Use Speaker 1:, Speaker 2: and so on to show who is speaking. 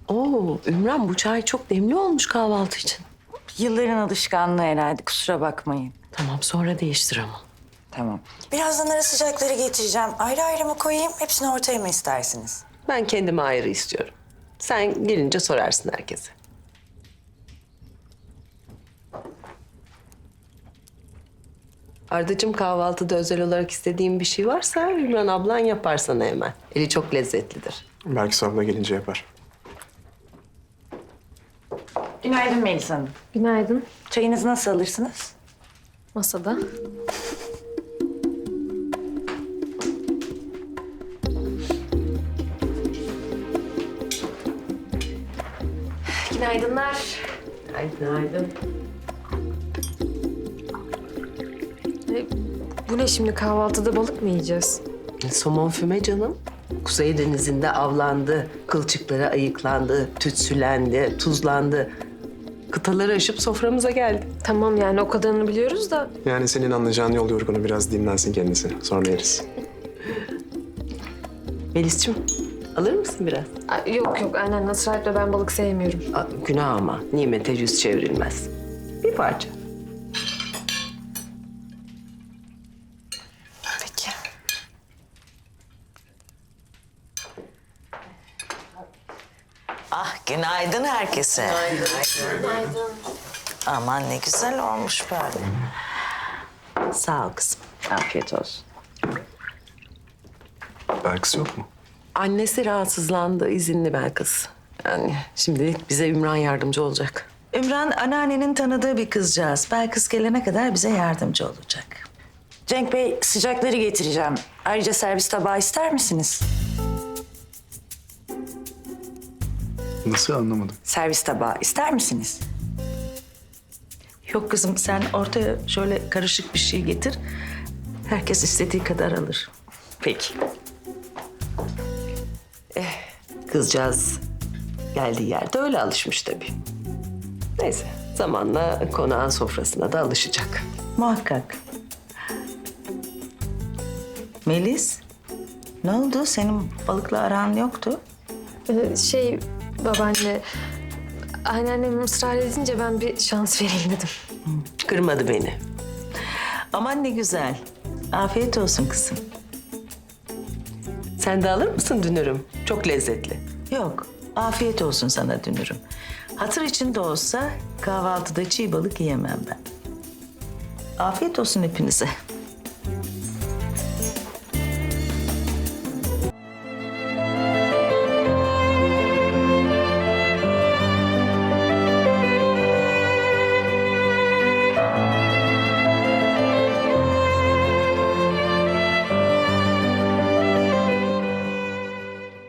Speaker 1: Oo, Ümran bu çay çok demli olmuş kahvaltı için.
Speaker 2: Yılların alışkanlığı herhalde, kusura bakmayın.
Speaker 1: Tamam sonra değiştir ama.
Speaker 2: Tamam. Birazdan ara sıcakları getireceğim. Ayrı ayrı mı koyayım, hepsini ortaya mı istersiniz?
Speaker 1: Ben kendime ayrı istiyorum. Sen gelince sorarsın herkese. Ardacığım kahvaltıda özel olarak istediğin bir şey varsa Ümran ablan yapar sana hemen. Eli çok lezzetlidir.
Speaker 3: Belki abla gelince yapar.
Speaker 2: Günaydın Melis Hanım.
Speaker 4: Günaydın.
Speaker 2: Çayınızı nasıl alırsınız?
Speaker 4: Masada. Günaydınlar.
Speaker 1: Günaydın.
Speaker 4: Bu ne şimdi, kahvaltıda balık mı yiyeceğiz?
Speaker 1: Somon füme canım. Kuzey Denizi'nde avlandı, kılçıkları ayıklandı, tütsülendi, tuzlandı. Kıtaları aşıp soframıza geldi.
Speaker 4: Tamam yani o kadarını biliyoruz da.
Speaker 3: Yani senin anlayacağın yol yorgunu, biraz dinlensin kendisi. Sonra yeriz.
Speaker 1: Melis'ciğim alır mısın biraz?
Speaker 4: Yok yok, aynen Nasret'le ben balık sevmiyorum.
Speaker 1: Günah ama nimete yüz çevrilmez. Bir parça.
Speaker 2: Peki.
Speaker 5: Ah, günaydın herkese.
Speaker 4: Günaydın.
Speaker 5: Aman ne güzel olmuş böyle.
Speaker 1: Sağ ol kızım.
Speaker 5: Afiyet olsun.
Speaker 3: Belkıs yok mu?
Speaker 1: Annesi rahatsızlandı, izinli Belkıs. Yani şimdilik bize Ümran yardımcı olacak.
Speaker 5: Ümran anneannenin tanıdığı bir kızcağız. Belkıs gelene kadar bize yardımcı olacak.
Speaker 2: Cenk Bey, sıcakları getireceğim. Ayrıca servis tabağı ister misiniz?
Speaker 3: Nasıl anlamadım?
Speaker 2: Servis tabağı ister misiniz?
Speaker 5: Yok kızım, sen ortaya şöyle karışık bir şey getir. Herkes istediği kadar alır.
Speaker 2: Peki.
Speaker 1: Kızcağız geldiği yerde öyle alışmış tabii. Neyse zamanla konağın sofrasına da alışacak.
Speaker 5: Muhakkak. Melis, ne oldu? Senin balıkla aran yoktu.
Speaker 4: Babaanne, anneannem ısrar edince ben bir şans vereyim dedim.
Speaker 1: Kırmadı beni.
Speaker 5: Aman ne güzel. Afiyet olsun kızım.
Speaker 1: Sen de alır mısın dünürüm? Çok lezzetli.
Speaker 5: Yok, afiyet olsun sana dünürüm. Hatır için de olsa kahvaltıda çiğ balık yiyemem ben. Afiyet olsun hepinize.